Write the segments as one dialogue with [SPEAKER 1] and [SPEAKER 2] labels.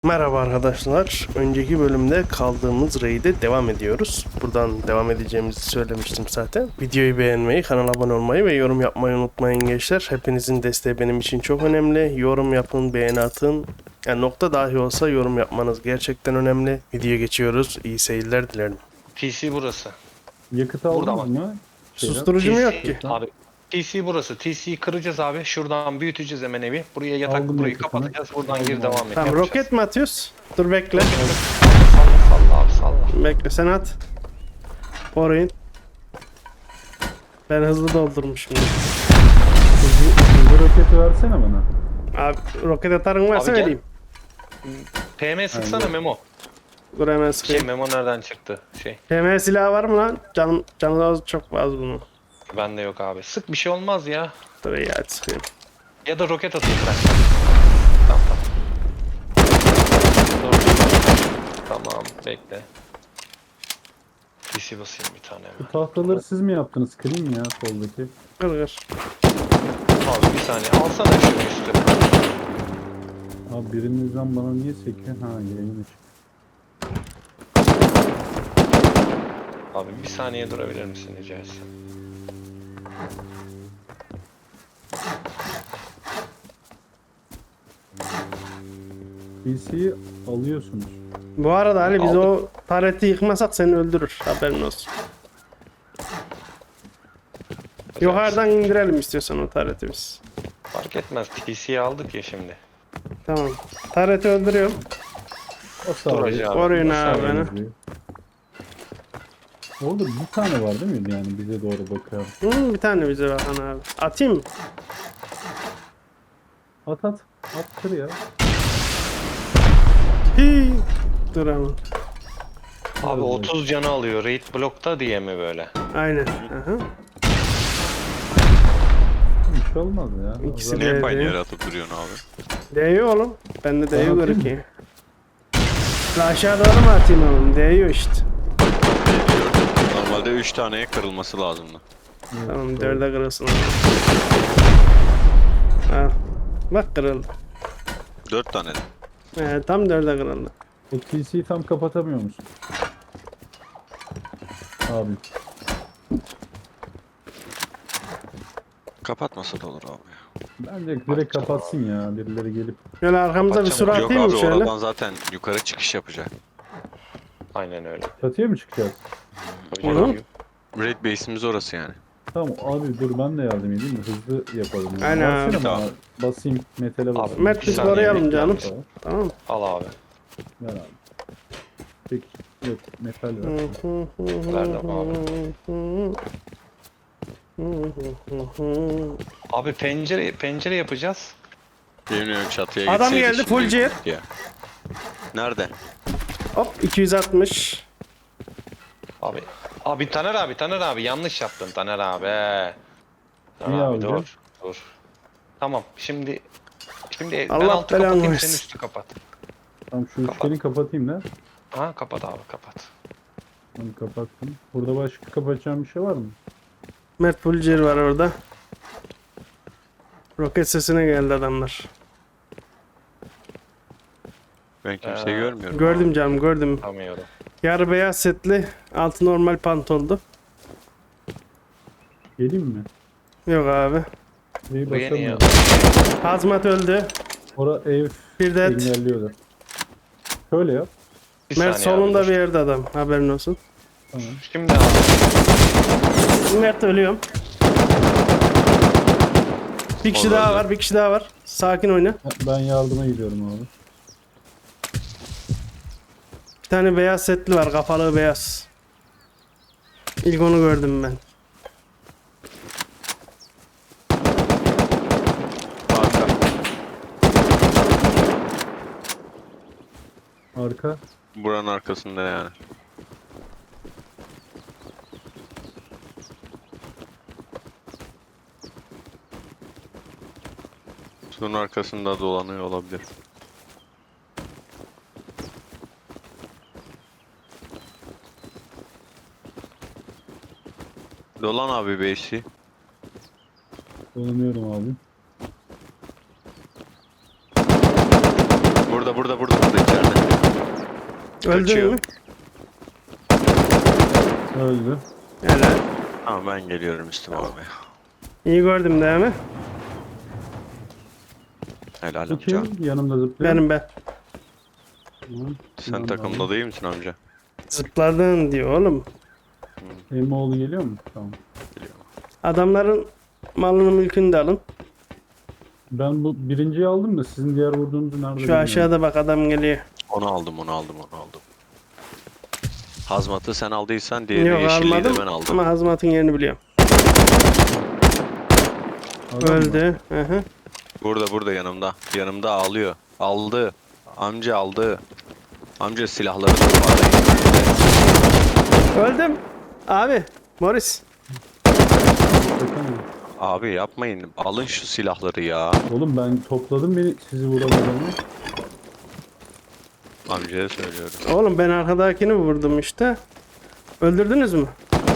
[SPEAKER 1] Merhaba arkadaşlar. Önceki bölümde kaldığımız raid'e devam ediyoruz. Buradan devam edeceğimizi söylemiştim zaten. Videoyu beğenmeyi, kanala abone olmayı ve yorum yapmayı unutmayın gençler. Hepinizin desteği benim için çok önemli. Yorum yapın, beğeni atın. Yani nokta dahi olsa yorum yapmanız gerçekten önemli. Videoya geçiyoruz. İyi seyirler dilerim.
[SPEAKER 2] TC burası.
[SPEAKER 3] Yakıt
[SPEAKER 2] Burada
[SPEAKER 3] aldınız mı?
[SPEAKER 1] Susturucu mu yok ki?
[SPEAKER 2] Abi TC burası. TC'yi kıracağız abi. Şuradan büyüteceğiz hemen evi. Buraya yatak
[SPEAKER 3] Aldım
[SPEAKER 2] burayı
[SPEAKER 3] yakıtını.
[SPEAKER 2] kapatacağız. Buradan
[SPEAKER 3] Aldım
[SPEAKER 2] geri
[SPEAKER 3] abi.
[SPEAKER 2] devam et.
[SPEAKER 1] Tamam,
[SPEAKER 2] yapacağız.
[SPEAKER 1] roket mi atıyoruz? Dur bekle.
[SPEAKER 2] Salla abi salla.
[SPEAKER 1] Bekle, sen at. Orayın. Ben hızlı doldurmuşum.
[SPEAKER 3] Hızlı roketi versene bana.
[SPEAKER 1] Abi roket atarın varsa
[SPEAKER 2] Abi gel.
[SPEAKER 1] vereyim.
[SPEAKER 2] PM sıksana Memo.
[SPEAKER 1] Dur hemen
[SPEAKER 2] Şey
[SPEAKER 1] sıkayım.
[SPEAKER 2] Memo nereden çıktı?
[SPEAKER 1] PM silahı var mı lan? Canı az, çok az bunun.
[SPEAKER 2] Bende yok abi. Sık bir şey olmaz ya.
[SPEAKER 1] Dur iyi, hadi sıkayım.
[SPEAKER 2] Ya da roket atayım ben. Tamam tamam. Dur. Tamam bekle. TC basayım bir tane
[SPEAKER 3] Bu
[SPEAKER 2] hemen.
[SPEAKER 3] tahtaları siz mi yaptınız? Kırayım mı ya soldaki?
[SPEAKER 1] Kır kır.
[SPEAKER 2] Abi bir saniye alsana şunu üstü.
[SPEAKER 3] Abi birinizden bana niye sekiyor? Ha yayın açık.
[SPEAKER 2] Abi bir saniye durabilir misin rica etsem?
[SPEAKER 3] PC'yi alıyorsunuz.
[SPEAKER 1] Bu arada Ali biz
[SPEAKER 2] Aldık.
[SPEAKER 1] o tareti yıkmasak seni öldürür. Haberin olsun. Yukarıdan indirelim istiyorsan o tareti biz.
[SPEAKER 2] Fark etmez. TC'yi aldık ya şimdi.
[SPEAKER 1] Tamam. Tareti öldürüyorum.
[SPEAKER 3] O sağ
[SPEAKER 2] Duracı abi.
[SPEAKER 1] Koruyun
[SPEAKER 2] O
[SPEAKER 1] abi
[SPEAKER 2] sağ-
[SPEAKER 1] beni.
[SPEAKER 3] Orada bir tane var değil mi? Yani bize doğru bakıyor.
[SPEAKER 1] Bir tane bize bakan abi. Atayım mı?
[SPEAKER 3] At at. At kır ya.
[SPEAKER 1] Hii. Dur ama.
[SPEAKER 2] Abi 30 canı alıyor. Raid blockta diye mi böyle?
[SPEAKER 1] Aynen. Aha.
[SPEAKER 3] Bir şey olmaz ya.
[SPEAKER 1] İkisi
[SPEAKER 3] Zaten-
[SPEAKER 1] de-
[SPEAKER 4] Niye aynı yere atıp duruyorsun abi?
[SPEAKER 1] Değiyor oğlum. Bende değiyor
[SPEAKER 3] atayım
[SPEAKER 1] görük ki. La aşağı doğru mu atayım oğlum? Değiyor işte.
[SPEAKER 4] Normalde 3 taneye kırılması lazımdı.
[SPEAKER 1] Tamam, dörde kırılsın. Al. Bak kırıldı.
[SPEAKER 4] 4 tane de.
[SPEAKER 1] Tam dörde kırıldı.
[SPEAKER 3] O TC'yi tam kapatamıyor musun? Abi.
[SPEAKER 4] Kapatmasa da olur abi.
[SPEAKER 3] Bence direkt kapatsın ya. Birileri gelip.
[SPEAKER 1] Şöyle arkamıza bir
[SPEAKER 2] Bakacağım.
[SPEAKER 1] sur
[SPEAKER 4] Yok
[SPEAKER 1] atayım mı
[SPEAKER 4] abi
[SPEAKER 1] şöyle?
[SPEAKER 4] oradan zaten yukarı çıkış yapacak.
[SPEAKER 2] Aynen öyle.
[SPEAKER 3] Çatıya mı çıkacağız?
[SPEAKER 2] Hocam,
[SPEAKER 1] Hı hı.
[SPEAKER 4] Raid base'imiz orası yani.
[SPEAKER 3] Tamam abi dur ben de yardım edeyim de hızlı yapalım. Yani.
[SPEAKER 1] Aynen
[SPEAKER 3] Versene
[SPEAKER 1] abi.
[SPEAKER 3] bana.
[SPEAKER 4] Tamam.
[SPEAKER 3] Basayım metale basayım.
[SPEAKER 1] Mert
[SPEAKER 2] Bir
[SPEAKER 1] biz
[SPEAKER 2] saniye
[SPEAKER 1] koruyalım
[SPEAKER 2] bekle
[SPEAKER 1] canım.
[SPEAKER 2] abi.
[SPEAKER 1] Tamam.
[SPEAKER 2] Al abi.
[SPEAKER 3] Ver abi. Peki. Yok metal ver.
[SPEAKER 2] Verdim Abi pencere yapacağız.
[SPEAKER 4] Bilmiyorum çatıya
[SPEAKER 1] Adam
[SPEAKER 4] gitseydik
[SPEAKER 1] geldi,
[SPEAKER 4] şimdi
[SPEAKER 1] full jet.
[SPEAKER 4] ya. Nerede?
[SPEAKER 1] Hop 260.
[SPEAKER 2] Abi Taner abi yanlış yaptın Taner abi. Taner
[SPEAKER 3] Niye
[SPEAKER 2] abi
[SPEAKER 3] abi?
[SPEAKER 2] dur. Tamam şimdi ben
[SPEAKER 1] Allah
[SPEAKER 2] altı
[SPEAKER 1] belanı
[SPEAKER 2] kapatayım
[SPEAKER 1] versin.
[SPEAKER 2] sen üstü kapat.
[SPEAKER 3] Tamam şu üçgeni kapatayım da.
[SPEAKER 2] Ha kapat abi kapat.
[SPEAKER 3] Onu kapattım. Burada başka kapatacağım bir şey var mı?
[SPEAKER 1] Mert Pulcer var orada. Roket sesine geldi adamlar.
[SPEAKER 4] Ben kimseyi görmüyorum.
[SPEAKER 1] Gördüm canım, gördüm.
[SPEAKER 2] Tamıyorum.
[SPEAKER 1] Yarı beyaz setli, altı normal pantoldu.
[SPEAKER 3] Geleyim mi?
[SPEAKER 1] Yok abi.
[SPEAKER 3] Neyi
[SPEAKER 2] Bu yeni ya.
[SPEAKER 3] basamıyorum.
[SPEAKER 1] Hazmat öldü.
[SPEAKER 3] Ora ev
[SPEAKER 1] Bir de
[SPEAKER 3] engelliyordu. Şöyle yap.
[SPEAKER 2] Bir
[SPEAKER 1] Mert
[SPEAKER 2] saniye
[SPEAKER 1] solunda
[SPEAKER 2] abi, dur.
[SPEAKER 1] bir yerde adam. Haberin olsun.
[SPEAKER 3] Tamam.
[SPEAKER 2] Şimdi abi.
[SPEAKER 1] Mert ölüyorum. Bir kişi
[SPEAKER 4] Orada
[SPEAKER 1] daha
[SPEAKER 4] öldü.
[SPEAKER 1] var, bir kişi daha var. Sakin oyna.
[SPEAKER 3] Ben yardıma gidiyorum abi.
[SPEAKER 1] Bir tane beyaz setli var, kafalı beyaz. İlk onu gördüm ben.
[SPEAKER 4] Arka.
[SPEAKER 3] Arka.
[SPEAKER 4] Buranın arkasında yani. Şunun arkasında dolanıyor olabilir. Dolan abi base'i.
[SPEAKER 3] Dolanıyorum abi.
[SPEAKER 4] Burada Burada içeride.
[SPEAKER 1] Öldün
[SPEAKER 4] Kaçıyor.
[SPEAKER 1] mü?
[SPEAKER 3] Öldü.
[SPEAKER 1] Helal.
[SPEAKER 4] Tamam ben geliyorum Müslüm abi.
[SPEAKER 1] İyi gördüm değil mi?
[SPEAKER 4] Helal
[SPEAKER 3] Bu
[SPEAKER 4] amca.
[SPEAKER 3] kim? Yanımda zıplıyor.
[SPEAKER 1] Benim ben.
[SPEAKER 3] Hı,
[SPEAKER 4] Sen
[SPEAKER 3] yanımda
[SPEAKER 4] takımda
[SPEAKER 3] abi.
[SPEAKER 4] değil misin amca?
[SPEAKER 1] Zıpladın diyor oğlum.
[SPEAKER 3] Emoğlu geliyor mu? Tamam.
[SPEAKER 1] Adamların malını mülkünü de alın.
[SPEAKER 3] Ben bu birinciyi aldım da sizin diğer vurduğunuzu nerede
[SPEAKER 1] Şu
[SPEAKER 3] bilmiyorum.
[SPEAKER 1] aşağıda bak adam geliyor.
[SPEAKER 4] Onu aldım. Hazmatı sen aldıysan diğeri
[SPEAKER 1] Yok
[SPEAKER 4] yeşilliği de
[SPEAKER 1] almadım
[SPEAKER 4] ben aldım.
[SPEAKER 1] ama hazmatın yerini biliyorum.
[SPEAKER 3] Adam mı?
[SPEAKER 1] Öldü. Hı hı.
[SPEAKER 4] Burada yanımda. Yanımda ağlıyor. Aldı. Amca aldı. Amca silahları da var.
[SPEAKER 1] Öldüm. Abi. Morris.
[SPEAKER 3] Bakalım.
[SPEAKER 4] Abi yapmayın. Alın şu silahları ya.
[SPEAKER 3] Oğlum ben topladım beni sizi vuramadığımı.
[SPEAKER 4] Amcaya söylüyorum.
[SPEAKER 1] Oğlum ben arkadakini vurdum işte. Öldürdünüz mü?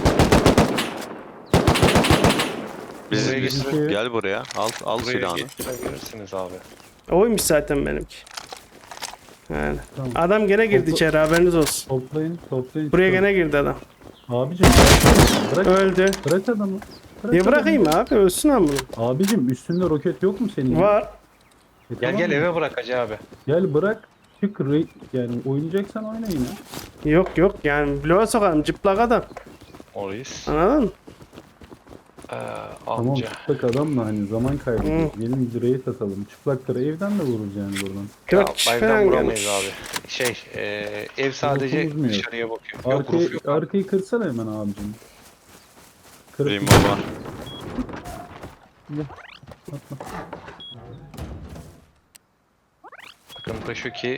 [SPEAKER 4] Biz
[SPEAKER 2] Buraya
[SPEAKER 3] getirin.
[SPEAKER 4] gel buraya. Al
[SPEAKER 2] Buraya
[SPEAKER 4] silahını.
[SPEAKER 2] getirebilirsiniz abi.
[SPEAKER 1] Oymuş zaten benimki. Yani.
[SPEAKER 3] Tamam.
[SPEAKER 1] Adam gene girdi
[SPEAKER 3] Topla-
[SPEAKER 1] içeri haberiniz olsun.
[SPEAKER 3] Toplayın.
[SPEAKER 1] Buraya
[SPEAKER 3] çıkalım.
[SPEAKER 1] gene girdi adam.
[SPEAKER 3] Abicim bırak,
[SPEAKER 1] Öldü.
[SPEAKER 3] bırak adamı. Bırak
[SPEAKER 1] Niye
[SPEAKER 3] adamı.
[SPEAKER 1] bırakayım abi? Ölsün ama bunu.
[SPEAKER 3] Abicim üstünde roket yok mu senin?
[SPEAKER 1] Var.
[SPEAKER 2] Gel
[SPEAKER 3] Tamam
[SPEAKER 2] gel
[SPEAKER 3] mı?
[SPEAKER 2] eve bırak Hacı abi.
[SPEAKER 3] Gel bırak. Çık yani oynayacaksan oyna yine.
[SPEAKER 1] Yok yani bloğa sokarım cıplak adam.
[SPEAKER 2] Morris.
[SPEAKER 1] Anladın mı?
[SPEAKER 3] Tamam
[SPEAKER 2] Amca.
[SPEAKER 3] çıplak adamla hani zaman kaybediyoruz. Gelin direğe atalım. Çıplakları evden de vururuz yani buradan.
[SPEAKER 1] 4
[SPEAKER 2] Ya,
[SPEAKER 1] kişi
[SPEAKER 2] baydan
[SPEAKER 1] falan
[SPEAKER 2] vuramayız
[SPEAKER 1] gelmiş.
[SPEAKER 2] abi. ev sadece
[SPEAKER 3] Roofunuz mu yok?
[SPEAKER 2] dışarıya bakıyor. Yok roof yok abi.
[SPEAKER 3] Arkayı kırsana hemen abicim. Kırıp
[SPEAKER 4] Rimo var.
[SPEAKER 2] Sıkıntı şu ki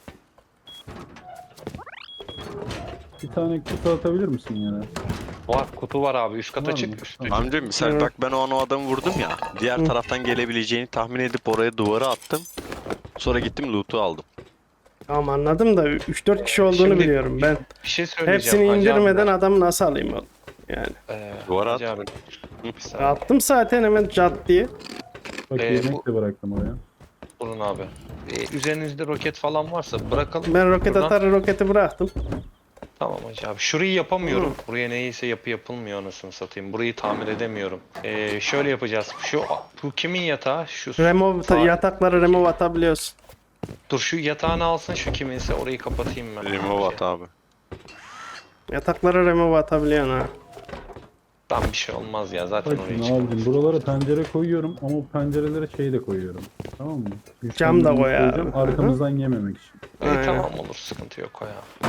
[SPEAKER 3] bir tane kutu atabilir misin yere?
[SPEAKER 2] kutu var abi üst kata
[SPEAKER 3] Var mı?
[SPEAKER 2] çık üstü.
[SPEAKER 3] Tamam.
[SPEAKER 4] Amca misal
[SPEAKER 1] Evet.
[SPEAKER 4] bak ben o adamı vurdum ya. Diğer taraftan gelebileceğini tahmin edip oraya duvara attım. Sonra gittim loot'u aldım.
[SPEAKER 1] Tamam anladım da 3-4 kişi olduğunu
[SPEAKER 2] Şimdi-
[SPEAKER 1] biliyorum ben.
[SPEAKER 2] Bir şey söyleyeceğim.
[SPEAKER 1] Hepsini
[SPEAKER 2] Hacı
[SPEAKER 1] indirmeden
[SPEAKER 2] abiler.
[SPEAKER 1] adamı nasıl alayım oğlum? Yani.
[SPEAKER 4] Duvara
[SPEAKER 2] Hacı
[SPEAKER 4] at.
[SPEAKER 2] abi. Bir saniye.
[SPEAKER 1] Attım zaten hemen cat diye.
[SPEAKER 3] Bak yemek de bıraktım oraya.
[SPEAKER 2] Durun abi. Üzerinizde roket falan varsa bırakalım.
[SPEAKER 1] Ben roket
[SPEAKER 2] Buradan-
[SPEAKER 1] atar roketi bıraktım.
[SPEAKER 2] Tamam Hacı abi. Şurayı yapamıyorum. Buraya neyse yapılmıyor anasını satayım. Burayı tamir edemiyorum. Şöyle yapacağız. Bu kimin yatağı?
[SPEAKER 1] Remove
[SPEAKER 2] sağ-
[SPEAKER 1] yatakları remove atabiliyorsun.
[SPEAKER 2] Dur şu yatağını alsın şu kiminse orayı kapatayım ben.
[SPEAKER 4] Rimo at abi.
[SPEAKER 1] Yatakları remove atabiliyorsun ha.
[SPEAKER 2] Tam bir şey olmaz ya zaten
[SPEAKER 3] Bak
[SPEAKER 2] oraya
[SPEAKER 3] şimdi
[SPEAKER 2] çık.
[SPEAKER 3] abicim buralara pencere koyuyorum ama o pencerelere şey de koyuyorum. Tamam mı?
[SPEAKER 1] Cam da
[SPEAKER 3] Güçlendirme
[SPEAKER 1] koy abi.
[SPEAKER 3] koyacağım, arkamızdan yememek için.
[SPEAKER 1] Aynen.
[SPEAKER 2] Tamam olur sıkıntı yok o ya.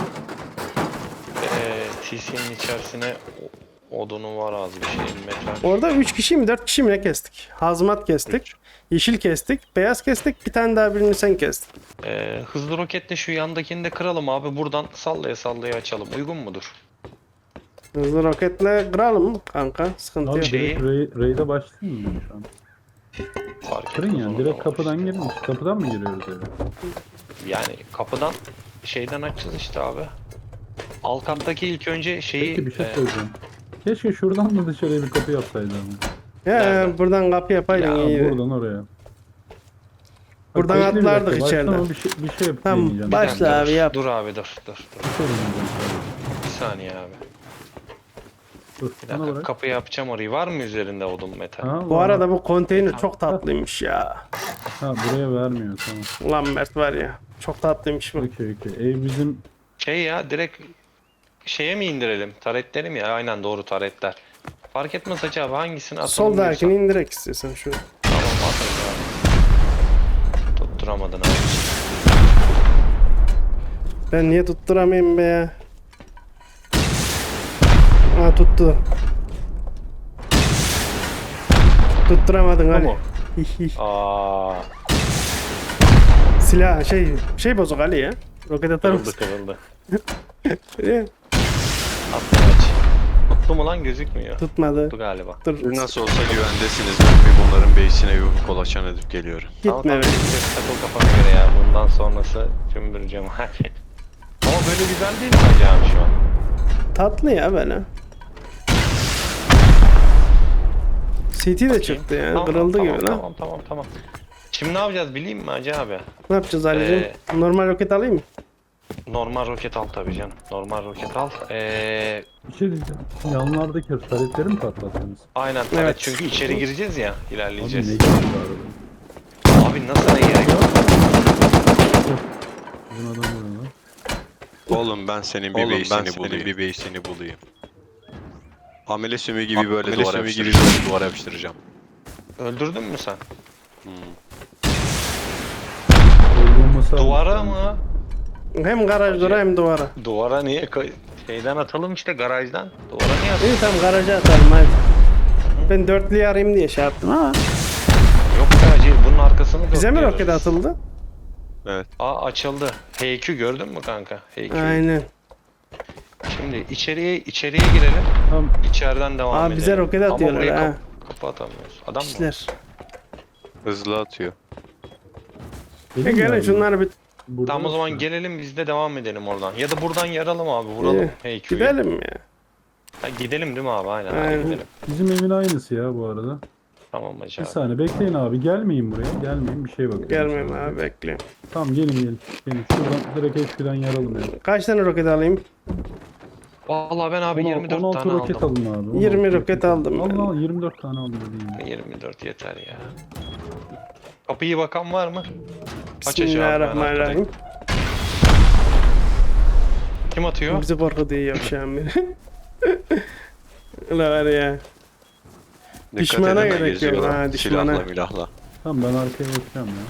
[SPEAKER 2] TC'nin içerisine odunu var az bir şey metal.
[SPEAKER 1] Orada 3 kişi mi 4 kişi mi ne kestik? Hazmat kestik. Yeşil kestik. Beyaz kestik. Bir tane daha birini sen kestin.
[SPEAKER 2] Hızlı roketle şu yandakini de kıralım abi buradan sallaya sallaya açalım uygun mudur?
[SPEAKER 1] Hızlı roketle kıralım kanka. Sıkıntı
[SPEAKER 3] Abi
[SPEAKER 1] yok.
[SPEAKER 2] Şey-
[SPEAKER 3] direkt raid'e başlayayım mı şu an?
[SPEAKER 2] Fark
[SPEAKER 3] Kırın
[SPEAKER 2] etmez
[SPEAKER 3] yani
[SPEAKER 2] onu
[SPEAKER 3] direkt
[SPEAKER 2] da
[SPEAKER 3] kapıdan
[SPEAKER 2] işte.
[SPEAKER 3] girin. Kapıdan mı giriyoruz eve?
[SPEAKER 2] Yani kapıdan şeyden açacağız işte abi. Alt kattaki ilk önce şeyi
[SPEAKER 3] Peki bir şey söyleyeceğim. Keşke şuradan da dışarıya bir kapı yapsaydı ama.
[SPEAKER 1] Ya
[SPEAKER 2] Nereden?
[SPEAKER 1] buradan kapı yapaydın
[SPEAKER 2] Ya,
[SPEAKER 1] iyiydi.
[SPEAKER 3] Buradan oraya.
[SPEAKER 1] Buradan
[SPEAKER 3] bekle bir
[SPEAKER 1] atlardık
[SPEAKER 3] dakika,
[SPEAKER 1] içeriden.
[SPEAKER 3] başlama bir şey yapıp
[SPEAKER 1] Tamam,
[SPEAKER 3] deneyeceğim.
[SPEAKER 1] baş- Başla abi, yap.
[SPEAKER 2] Dur abi dur.
[SPEAKER 3] Bir şey deneyeceğim sadece.
[SPEAKER 2] Bir saniye abi.
[SPEAKER 3] Dur
[SPEAKER 2] Bir
[SPEAKER 3] bana
[SPEAKER 2] dakika
[SPEAKER 3] bırak.
[SPEAKER 2] kapıyı yapacağım orayı. Var mı üzerinde odun metal?
[SPEAKER 3] Ha,
[SPEAKER 1] Bu
[SPEAKER 3] var.
[SPEAKER 1] arada bu konteyner çok tatlıymış ya.
[SPEAKER 3] Ha buraya vermiyor tamam.
[SPEAKER 1] Ulan Mert var ya. Çok tatlıymış bu.
[SPEAKER 3] Okey. Ev bizim
[SPEAKER 2] Şey ya direkt şeye mi indirelim? Taretleri mi ya? Aynen doğru taretler. Fark etmez Hacı abi hangisini atalım
[SPEAKER 1] Soldakini
[SPEAKER 2] diyorsan.
[SPEAKER 1] indirek istiyorsan şu.
[SPEAKER 2] Tamam atarız abi. Tutturamadın abi.
[SPEAKER 1] Ben niye tutturamayayım be ya? Ha tuttu. Tutturamadın Ali.
[SPEAKER 2] Tamam.
[SPEAKER 1] Hih, hih.
[SPEAKER 2] Aa,
[SPEAKER 1] Silah şey bozuk Ali ya. Roket atar
[SPEAKER 2] kırıldı
[SPEAKER 1] mısın?
[SPEAKER 2] kırıldı.
[SPEAKER 1] Eh,
[SPEAKER 2] Attım aç. Tuttu mu lan gözükmüyor.
[SPEAKER 1] Tutmadı.
[SPEAKER 2] Tuttu galiba.
[SPEAKER 1] Dur.
[SPEAKER 4] Siz nasıl olsa güvendesiniz. Ben bir bunların base'ine bir kolaçan edip geliyorum.
[SPEAKER 2] Tamam,
[SPEAKER 1] Gitme be.
[SPEAKER 2] takıl kafana göre ya. Bundan sonrası cümbür cemaat. Ama böyle güzel değil mi Hacı abi şu an?
[SPEAKER 1] Tatlı ya böyle. CT de
[SPEAKER 2] Bakayım.
[SPEAKER 1] çıktı yani.
[SPEAKER 2] Tamam,
[SPEAKER 1] Kırıldı
[SPEAKER 2] tamam,
[SPEAKER 1] gibi lan.
[SPEAKER 2] Tamam. Şimdi ne yapacağız bileyim mi Hacı abi?
[SPEAKER 1] Ne yapacağız Ali'cim? Normal roket alayım mı?
[SPEAKER 2] Normal roket al tabii canım. Normal roket al.
[SPEAKER 3] Bir şey diyeceğim. Yanlardaki taretleri mi patlattınız?
[SPEAKER 2] Aynen tabii
[SPEAKER 1] Evet.
[SPEAKER 2] çünkü içeri gireceğiz ya,
[SPEAKER 3] Abi
[SPEAKER 2] ilerleyeceğiz.
[SPEAKER 3] ne gerek var orada?
[SPEAKER 2] Abi nasıl ne gerek var?
[SPEAKER 3] Bizim adam vuruyor lan.
[SPEAKER 4] Oğlum ben senin bir beysini bulayım. Amele sümüğü gibi böyle duvara yapıştıracağım.
[SPEAKER 2] Öldürdün mü sen?
[SPEAKER 3] Öldürülmesi
[SPEAKER 2] Duvara
[SPEAKER 3] almış yani.
[SPEAKER 2] mı?
[SPEAKER 1] Hem garajlara hem duvara.
[SPEAKER 2] Duvara niye? Şeyden atalım işte, garajdan. Duvara niye atalım?
[SPEAKER 1] İyi tamam garaja atalım hadi. Ben dörtlüyü arayayım diye şey yaptım ama.
[SPEAKER 2] Yok be Hacı, bunun arkasını
[SPEAKER 1] Bize mi
[SPEAKER 2] dörtlüyoruz.
[SPEAKER 1] roket atıldı?
[SPEAKER 4] Evet.
[SPEAKER 2] Aa, açıldı. H2 gördün mü kanka? H2.
[SPEAKER 1] Aynen.
[SPEAKER 2] Şimdi içeriye girelim.
[SPEAKER 3] Tamam.
[SPEAKER 2] İçeriden devam
[SPEAKER 1] Aa,
[SPEAKER 2] edelim.
[SPEAKER 1] bize roket
[SPEAKER 2] Ama
[SPEAKER 1] atıyorlar
[SPEAKER 2] buraya
[SPEAKER 1] ha.
[SPEAKER 2] kapı atamıyoruz. Adam mı?
[SPEAKER 1] İşler.
[SPEAKER 4] Hızlı atıyor.
[SPEAKER 3] Benim
[SPEAKER 1] Gelin
[SPEAKER 3] yani.
[SPEAKER 1] şunları bir
[SPEAKER 3] Burada
[SPEAKER 2] Tamam o zaman
[SPEAKER 3] nasıl?
[SPEAKER 2] gelelim biz de devam edelim oradan. Ya da buradan yaralım abi, vuralım
[SPEAKER 1] İyi.
[SPEAKER 2] H2'yü.
[SPEAKER 1] gidelim ya.
[SPEAKER 2] Ha, gidelim değil mi abi? Aynen,
[SPEAKER 1] Aynen.
[SPEAKER 2] Abi, gidelim.
[SPEAKER 3] Bizim evin aynısı ya bu arada.
[SPEAKER 2] Tamam Hacı
[SPEAKER 3] Bir
[SPEAKER 2] abi.
[SPEAKER 3] saniye bekleyin abi. Gelmeyin buraya. Gelmeyin, bir şey bakın.
[SPEAKER 1] Gelmeyeyim abi bekleyin.
[SPEAKER 3] Tamam gelin. Gelin şuradan direkt HP'den yaralım ya.
[SPEAKER 1] Kaç tane roket alayım?
[SPEAKER 2] Vallahi ben abi 24
[SPEAKER 3] 16
[SPEAKER 2] tane
[SPEAKER 3] roket
[SPEAKER 2] aldım.
[SPEAKER 3] alın abi.
[SPEAKER 1] 20
[SPEAKER 3] 16
[SPEAKER 1] roket aldım ben.
[SPEAKER 3] Allah 24 tane aldım dediğim.
[SPEAKER 2] 24 yeter ya. Kapıyı bakan var mı? Aç aç abi, ben
[SPEAKER 1] Bismillahirrahmanirrahim.
[SPEAKER 2] arkadayım. Kim atıyor?
[SPEAKER 1] Bizi korkutuyor yavşağım beni. Ulan var ya.
[SPEAKER 4] Dikkat
[SPEAKER 1] Düşmana
[SPEAKER 4] edin,
[SPEAKER 1] gerek yok.
[SPEAKER 4] geziyorlar.
[SPEAKER 1] Ha, düşmana.
[SPEAKER 4] Silahla milahla.
[SPEAKER 3] Tamam ben arkaya bakacağım ya.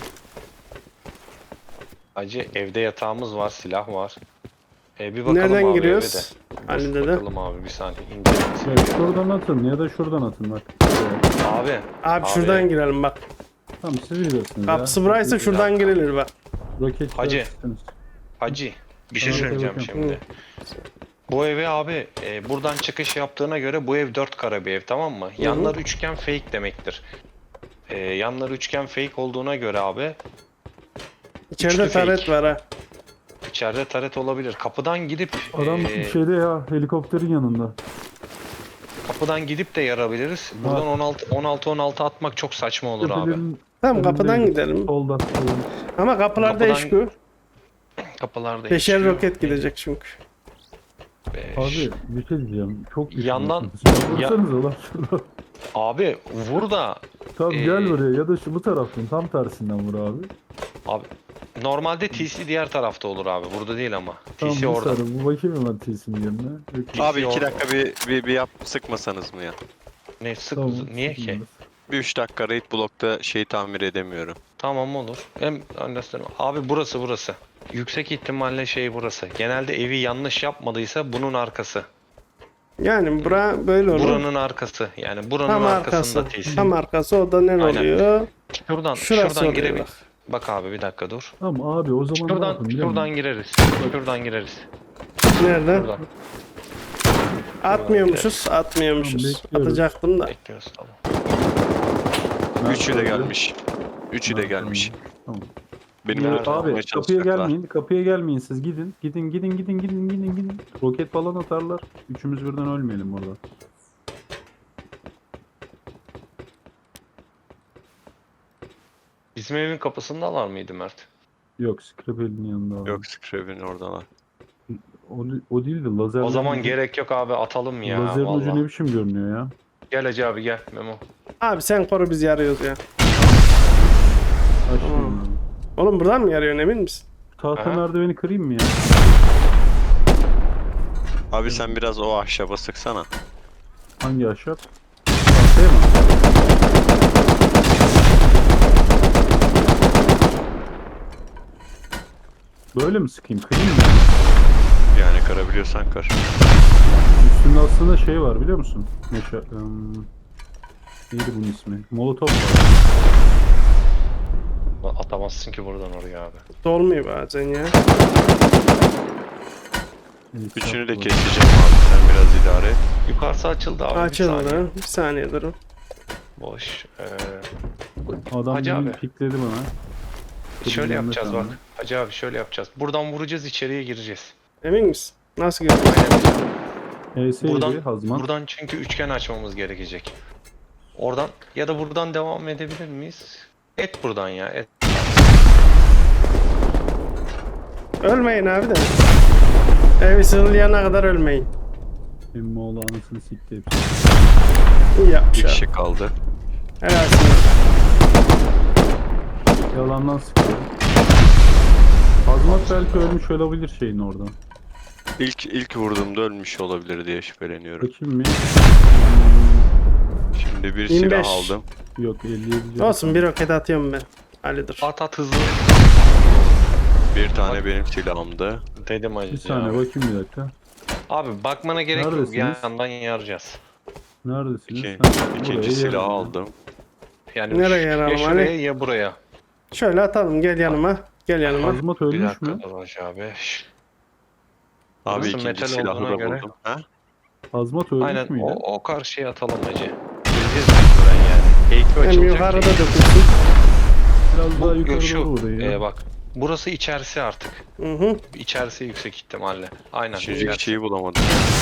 [SPEAKER 2] Hacı evde yatağımız var, silah var. Bir bakalım
[SPEAKER 1] Nereden
[SPEAKER 2] abi
[SPEAKER 1] giriyoruz?
[SPEAKER 2] eve de.
[SPEAKER 1] Ali
[SPEAKER 2] Dur,
[SPEAKER 1] dede.
[SPEAKER 2] bakalım abi bir saniye. İnceleyelim.
[SPEAKER 3] Ya şuradan atın ya da şuradan atın bak.
[SPEAKER 2] Abi.
[SPEAKER 1] Abi şuradan girelim bak.
[SPEAKER 3] Tamam siz biliyorsunuz
[SPEAKER 1] Kapısı
[SPEAKER 3] ya.
[SPEAKER 1] buraysa şuradan girilir bak.
[SPEAKER 3] Roket
[SPEAKER 2] Hacı.
[SPEAKER 3] çıkartırsınız.
[SPEAKER 2] Hacı. Bir şey
[SPEAKER 3] Tamam,
[SPEAKER 2] söyleyeceğim
[SPEAKER 3] bakıyorum.
[SPEAKER 2] şimdi. Bu eve abi buradan çıkış yaptığına göre bu ev 4 kare bir ev, tamam mı? Yanlar üçgen fake demektir. Yanlar üçgen fake olduğuna göre abi
[SPEAKER 1] İçeride
[SPEAKER 2] Üçlü
[SPEAKER 1] taret
[SPEAKER 2] fake.
[SPEAKER 1] var ha.
[SPEAKER 2] içeride taret olabilir. Kapıdan gidip
[SPEAKER 3] Adam şeyde ya helikopterin yanında.
[SPEAKER 2] kapıdan gidip de yarabiliriz. Buradan 16 atmak çok saçma olur abi.
[SPEAKER 3] Tepelerin
[SPEAKER 1] Tamam
[SPEAKER 3] önünde
[SPEAKER 1] kapıdan gidelim.
[SPEAKER 3] Solda.
[SPEAKER 1] Ama kapılarda
[SPEAKER 2] Kapıdan-
[SPEAKER 1] eşku.
[SPEAKER 2] Kapılarda
[SPEAKER 1] Beşer
[SPEAKER 2] yaşıyor.
[SPEAKER 1] roket gidecek çünkü.
[SPEAKER 2] Beş.
[SPEAKER 3] Abi bir şey diyeceğim. Çok
[SPEAKER 2] Yandan-
[SPEAKER 3] düşünüyorsunuz. Vursanıza lan şurada.
[SPEAKER 2] Abi vur da
[SPEAKER 3] Tamam
[SPEAKER 2] Ee,
[SPEAKER 3] gel buraya ya da şu bu taraftan tam tersinden vur abi.
[SPEAKER 2] abi normalde TC diğer tarafta olur abi. Burada değil ama.
[SPEAKER 3] Tamam
[SPEAKER 2] TC
[SPEAKER 3] bu
[SPEAKER 2] orada.
[SPEAKER 3] sarı. Bu bakayım hemen T'sin yerine. Yok,
[SPEAKER 4] Abi
[SPEAKER 2] orada.
[SPEAKER 4] 2 dakika bir yap sıkmasanız mı ya?
[SPEAKER 2] Ne sık
[SPEAKER 3] tamam,
[SPEAKER 2] niye ki?
[SPEAKER 3] sıkılmaz.
[SPEAKER 4] Bir 3 dakika raid blokta şeyi tamir edemiyorum.
[SPEAKER 2] Tamam olur. Hem understand. Abi burası. Yüksek ihtimalle şey burası. Genelde evi yanlış yapmadıysa bunun arkası.
[SPEAKER 1] Yani bura böyle olur.
[SPEAKER 2] Buranın arkası. Yani buranın
[SPEAKER 1] Tam
[SPEAKER 2] arkasında
[SPEAKER 1] arkası.
[SPEAKER 2] TC.
[SPEAKER 1] Tam arkası o da ne
[SPEAKER 2] Aynen.
[SPEAKER 1] oluyor?
[SPEAKER 2] Şuradan
[SPEAKER 1] Şurası
[SPEAKER 2] şuradan
[SPEAKER 1] oluyor
[SPEAKER 2] girebil.
[SPEAKER 1] bak.
[SPEAKER 2] Bak abi bir dakika dur.
[SPEAKER 3] Tamam abi o zaman ne
[SPEAKER 2] Şuradan
[SPEAKER 3] yapın biliyor
[SPEAKER 2] şuradan
[SPEAKER 3] musun?
[SPEAKER 2] gireriz. Şuradan gireriz.
[SPEAKER 1] Nerede?
[SPEAKER 2] Şuradan.
[SPEAKER 1] Atmıyormuşuz. Atmıyormuşuz.
[SPEAKER 3] Tamam, bekliyoruz.
[SPEAKER 1] Atacaktım da.
[SPEAKER 2] Bekliyoruz tamam.
[SPEAKER 3] Nerede
[SPEAKER 4] Üçü de
[SPEAKER 3] abi?
[SPEAKER 4] gelmiş. Üçü de
[SPEAKER 3] Nerede?
[SPEAKER 4] gelmiş.
[SPEAKER 3] Tamam.
[SPEAKER 4] Benim
[SPEAKER 2] Nerede?
[SPEAKER 4] öldürmeye
[SPEAKER 3] Abi kapıya
[SPEAKER 4] çalışacaklar.
[SPEAKER 3] gelmeyin. Kapıya gelmeyin siz gidin. Gidin. Roket falan atarlar. Üçümüz birden ölmeyelim orada.
[SPEAKER 2] Bizim evin kapısındalar mıydı Mert?
[SPEAKER 3] Yok Scrapel'in yanında abi.
[SPEAKER 4] Yok Scrape'in oradalar.
[SPEAKER 3] O değil de lazer.
[SPEAKER 2] O zaman gerek yok abi, atalım ya.
[SPEAKER 3] Lazerin ucu
[SPEAKER 2] Vallahi.
[SPEAKER 3] ne biçim görünüyor ya.
[SPEAKER 2] Gel Hacı abi gel Memo.
[SPEAKER 1] Abi sen koru biz yarıyoruz ya.
[SPEAKER 3] Açmayın abi.
[SPEAKER 1] Oğlum buradan mı yarıyorsun emin misin?
[SPEAKER 3] Tahta
[SPEAKER 2] Aha.
[SPEAKER 3] merdiveni kırayım mı ya?
[SPEAKER 4] Abi sen biraz o ahşaba sıksana.
[SPEAKER 3] Hangi ahşap? Tahtaya mı? Böyle mi sıkayım? Kırayım mı?
[SPEAKER 4] Yani kırabiliyorsan kır.
[SPEAKER 3] Üstünde aslında şey var biliyor musun? Neydi bunun ismi? Molotov var.
[SPEAKER 2] Atamazsın ki buradan oraya abi.
[SPEAKER 1] Dolmuyor bazen ya.
[SPEAKER 3] Evet,
[SPEAKER 4] Üçünü de
[SPEAKER 3] var.
[SPEAKER 4] keseceğim abi, sen biraz idare et.
[SPEAKER 2] Yukarısı açıldı abi. Bir saniye.
[SPEAKER 1] Açıldı. Bir saniye durun.
[SPEAKER 2] Boş.
[SPEAKER 3] Adam
[SPEAKER 2] Hacı
[SPEAKER 3] beni
[SPEAKER 2] abi.
[SPEAKER 3] pikledi bana.
[SPEAKER 2] Şöyle
[SPEAKER 3] Yanında
[SPEAKER 2] yapacağız bak.
[SPEAKER 3] kaldı.
[SPEAKER 2] Hacı abi şöyle yapacağız. Buradan vuracağız, içeriye gireceğiz.
[SPEAKER 1] Emin misin? Nasıl görüyorsun?
[SPEAKER 2] Aynen.
[SPEAKER 3] HS'ydi
[SPEAKER 2] Buradan,
[SPEAKER 3] Hazman.
[SPEAKER 2] buradan çünkü üçgen açmamız gerekecek. Oradan ya da buradan devam edebilir miyiz? Et buradan ya. Et.
[SPEAKER 1] Ölmeyin abi de. Evi sığınlayana kadar ölmeyin.
[SPEAKER 3] Emmoğlu anasını sikti hepsi.
[SPEAKER 1] İyi yapmış
[SPEAKER 4] Bir
[SPEAKER 1] abi.
[SPEAKER 4] kişi kaldı.
[SPEAKER 1] Helalsin.
[SPEAKER 3] Yalandan sıkıyor. Azmat belki ölmüş olabilir şeyin orada.
[SPEAKER 4] İlk vurduğumda ölmüş olabilir diye şüpheleniyorum.
[SPEAKER 3] Bakayım mı?
[SPEAKER 4] Şimdi bir
[SPEAKER 1] 25.
[SPEAKER 4] silah aldım.
[SPEAKER 3] Yok 57.
[SPEAKER 1] Olsun bir roket atıyorum ben. Halidir.
[SPEAKER 2] At hızlı.
[SPEAKER 4] Bir tane benim silahımdı.
[SPEAKER 2] Dedim acı.
[SPEAKER 3] Bir saniye bakayım bir dakika.
[SPEAKER 2] Abi bakmana gerek yok.
[SPEAKER 3] Neredesiniz?
[SPEAKER 2] Yandan yarayacağız.
[SPEAKER 3] Neredesiniz?
[SPEAKER 4] İki,
[SPEAKER 3] Ha,
[SPEAKER 4] ikinci
[SPEAKER 3] buraya
[SPEAKER 4] silah
[SPEAKER 3] yardım.
[SPEAKER 4] aldım.
[SPEAKER 2] Yani
[SPEAKER 1] Nereye
[SPEAKER 2] ya
[SPEAKER 1] yaralım
[SPEAKER 2] şuraya
[SPEAKER 1] Ali?
[SPEAKER 2] ya buraya.
[SPEAKER 1] Şöyle atalım gel yanıma. Gel yanıma.
[SPEAKER 3] Azmat
[SPEAKER 2] Bir
[SPEAKER 3] ölmüş
[SPEAKER 2] dakika
[SPEAKER 3] mü?
[SPEAKER 2] dur Hacı abi.
[SPEAKER 4] Abi
[SPEAKER 2] Burası
[SPEAKER 4] ikinci
[SPEAKER 2] metal
[SPEAKER 4] silahı
[SPEAKER 2] olduğuna
[SPEAKER 4] da
[SPEAKER 2] göre-
[SPEAKER 4] buldum. Ha?
[SPEAKER 3] Azmat ölmüş
[SPEAKER 2] Aynen
[SPEAKER 3] müydü?
[SPEAKER 2] o karşıya atalım Hacı. Gireceğiz mecburen yani. Eğitim
[SPEAKER 1] Hem
[SPEAKER 2] açılacak.
[SPEAKER 1] yukarıda
[SPEAKER 2] ki-
[SPEAKER 1] dökülsün.
[SPEAKER 3] Biraz daha
[SPEAKER 2] Bu
[SPEAKER 3] yukarı
[SPEAKER 2] şu,
[SPEAKER 3] doğru burayı.
[SPEAKER 2] bak. Burası içerisi artık.
[SPEAKER 1] Hı hı.
[SPEAKER 2] İçerisi yüksek ihtimalle. Aynen.
[SPEAKER 4] Üçüncü
[SPEAKER 2] içerisi.
[SPEAKER 4] kişiyi bulamadım.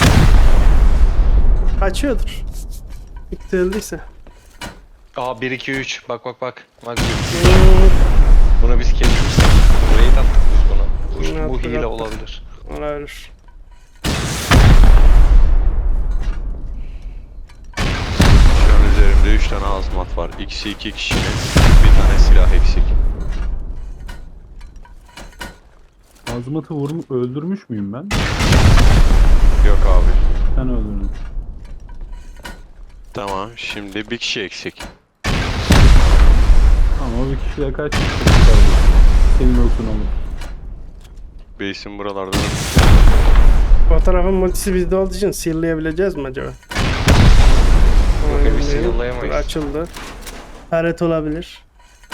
[SPEAKER 1] Kaçıyordur. İktirdiyse.
[SPEAKER 2] Aa 1 2 3. Bak. Bak 1 2 3. Bunu biz kesmiştik. Burayı attık biz buna. Bu
[SPEAKER 1] Attık,
[SPEAKER 2] hile
[SPEAKER 1] attık.
[SPEAKER 2] olabilir.
[SPEAKER 1] Olabilir.
[SPEAKER 4] Şu an üzerimde 3 tane azmat var. İkisi 2 kişinin. Bir tane silah eksik.
[SPEAKER 3] Azmat'ı öldürmüş müyüm ben?
[SPEAKER 4] Yok abi.
[SPEAKER 3] Sen öldürdün.
[SPEAKER 4] Tamam şimdi bir kişi eksik.
[SPEAKER 3] Tamam o bir kişiyle kaç kişi kaldı? Senin olsun oğlum.
[SPEAKER 4] Base'in buralarda.
[SPEAKER 1] Fotoğrafın multisi bizde olduğu için seal'layabileceğiz mi acaba?
[SPEAKER 2] Yok, biz
[SPEAKER 1] Aynen.
[SPEAKER 2] seal'layamayız.
[SPEAKER 1] Dur, açıldı. Taret olabilir.